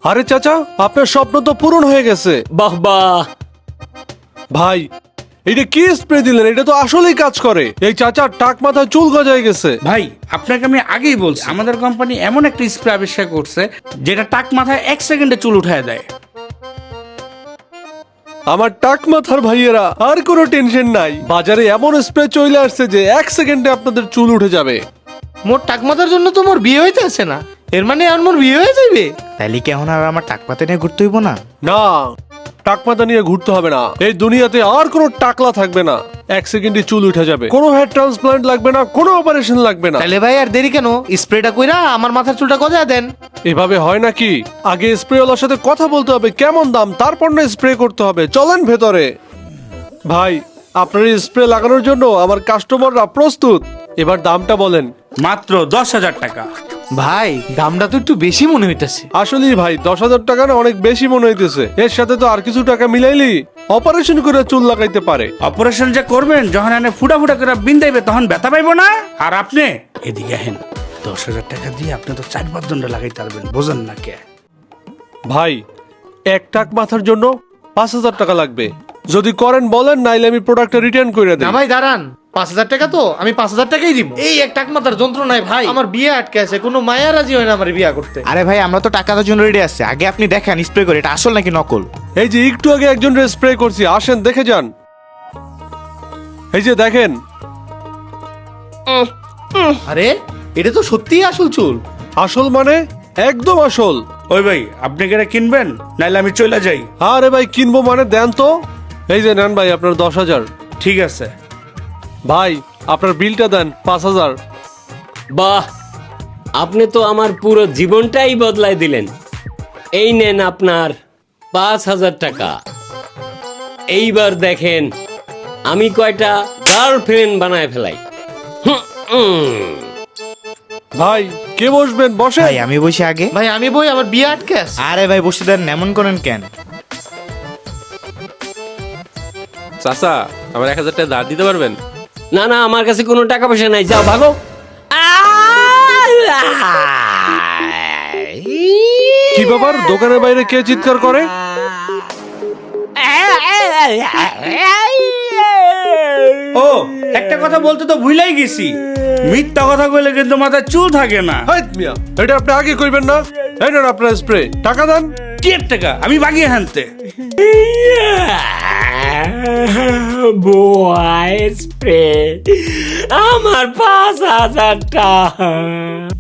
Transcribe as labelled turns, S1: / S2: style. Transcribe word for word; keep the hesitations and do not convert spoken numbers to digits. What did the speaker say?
S1: আরে চাচা, আপনার স্বপ্ন তো পূরণ হয়ে গেছে।
S2: বাহ বাহ।
S1: ভাই, এটা কি স্প্রে দিলেন? এটা তো আসলেই কাজ করে। এই চাচার টাক মাথায় চুল গজায় গেছে।
S3: ভাই আপনাকে আমি আগেই বলছি, আমাদের কোম্পানি এমন একটা স্প্রে আবিষ্কার করছে যেটা টাক মাথায় এক সেকেন্ডে চুল উঠায় দেয়।
S1: আমার টাক মাথার ভাইয়েরা, আর কোনো টেনশন নাই। বাজারে এমন স্প্রে চলে আসছে যে এক সেকেন্ডে আপনাদের চুল উঠে যাবে।
S4: মোর টাক মাথার জন্য তো মোর বিয়ে হইতে আছে না, এর মানে আর মোর বিয়ে হয়ে যাবে।
S5: তাইলে কি এখন আর আমার টাক পাতে নিয়ে ঘুরতে হইব না?
S1: না, টাক মাথা নিয়ে ঘুরতে হবে না। এই দুনিয়াতে আর কোনো টাকলা থাকবে না। এক সেকেন্ডে চুল উঠে যাবে। কোনো হেয়ার ট্রান্সপ্লান্ট লাগবে না, কোনো অপারেশন লাগবে না।
S4: তাহলে ভাই আর দেরি কেন, স্প্রেটা কইরা আমার মাথার চুলটা গজায় দেন।
S1: এভাবে হয় নাকি? আগে স্প্রেওয়ালার সাথে কথা বলতে হবে, কেমন দাম, তারপর না স্প্রে করতে হবে। চলেন ভেতরে। ভাই, আপনার এই স্প্রে লাগানোর জন্য আমার কাস্টমাররা প্রস্তুত। এবার দামটা বলেন।
S3: মাত্র দশ হাজার টাকা।
S4: ভাই দামটা তো একটু বেশি মনে হইতাছে।
S1: আসলেই ভাই, দশ হাজার টাকা না অনেক বেশি মনে হইতেছে। এর সাথে তো আর কিছু টাকা মিলাইলি অপারেশন করে চুল লাগাইতে পারে।
S3: অপারেশন যে করবেন, যখন এনে ফুটা ফুটা করে বিন্দাইবে তখন ব্যথা পাইবো না। আর আপনি এদিকে হেন, দশ হাজার টাকা দিয়ে আপনি তো চার পাঁচ দণ্ড লাগাইতে পারবেন, বোঝেন না কে?
S1: ভাই, এক টাক মাথার জন্য পাঁচ হাজার টাকা লাগবে। যদি করেন বলেন, নাইলে আমি প্রোডাক্টটা রিটার্ন করে
S4: না
S1: দেব।
S4: ভাই দাঁড়ান, পাঁচ হাজার টাকা তো আমি পাঁচ হাজার টাকাই দিব। এই এক টাক মাথার যন্ত্রণায় ভাই আমার বিয়ে আটকে আছে, কোনো মায়া রাজি হয় না আমার বিয়ে করতে।
S5: আরে ভাই, আমরা তো টাকা দেওয়ার জন্য রেডি আছি। আগে আপনি দেখেন স্প্রে করে এটা আসল নাকি নকল।
S1: এই যে একটু আগে একজন স্প্রে করছি, আসেন দেখে যান। এই যে দেখেন।
S4: আরে এটা তো সত্যিই আসল চুল।
S1: আসল মানে একদম আসল।
S3: ওই ভাই, আপনি কি এটা কিনবেন, নাইলে আমি চলে যাই?
S1: আরে ভাই, কিনবো মানে দেন তো। এই যে নেন ভাই, আপনার দশ হাজার।
S3: ঠিক আছে
S1: ভাই, আপনার বিলটা দেন, পাঁচ হাজার।
S2: বাহ, আপনি তো আমার পুরো জীবনটাই বদলাই দিলেন। এই নেন আপনার পাঁচ হাজার টাকা। এইবার দেখেন আমি কয়টা গার্লফ্রেন্ড বানায় ফেলাই। হুম, হুম।
S1: ভাই, কে বসবেন? বসে।
S5: ভাই আমি বসে আগে।
S4: ভাই আমি বই, আমার বিয়ে আটকে আছে।
S5: আরে ভাই বসে দেন, এমন করেন কেন?
S6: চাচা, আমার এক হাজার টাকা ধার দিতে পারবেন?
S2: না না, আমার কাছে কোনো টাকা পয়সা নাই, যাও ভাগো।
S1: কি ব্যাপার, দোকানের বাইরে কে চিৎকার করে?
S3: ও, একটা কথা বলতে তো ভুলাই গেছি, মিথ্যা কথা কইলে কিন্তু মাথায় চুল থাকে না।
S1: হাইত মিয়া, এটা আপনি আগে কইবেন না? এই নেন আপনার স্প্রে, টাকা দেন।
S3: কি এর টাকা? আমি বাগিয়ে হানতে।
S2: বয় স্প্রে আমার পাঁচ হাজার টাকা।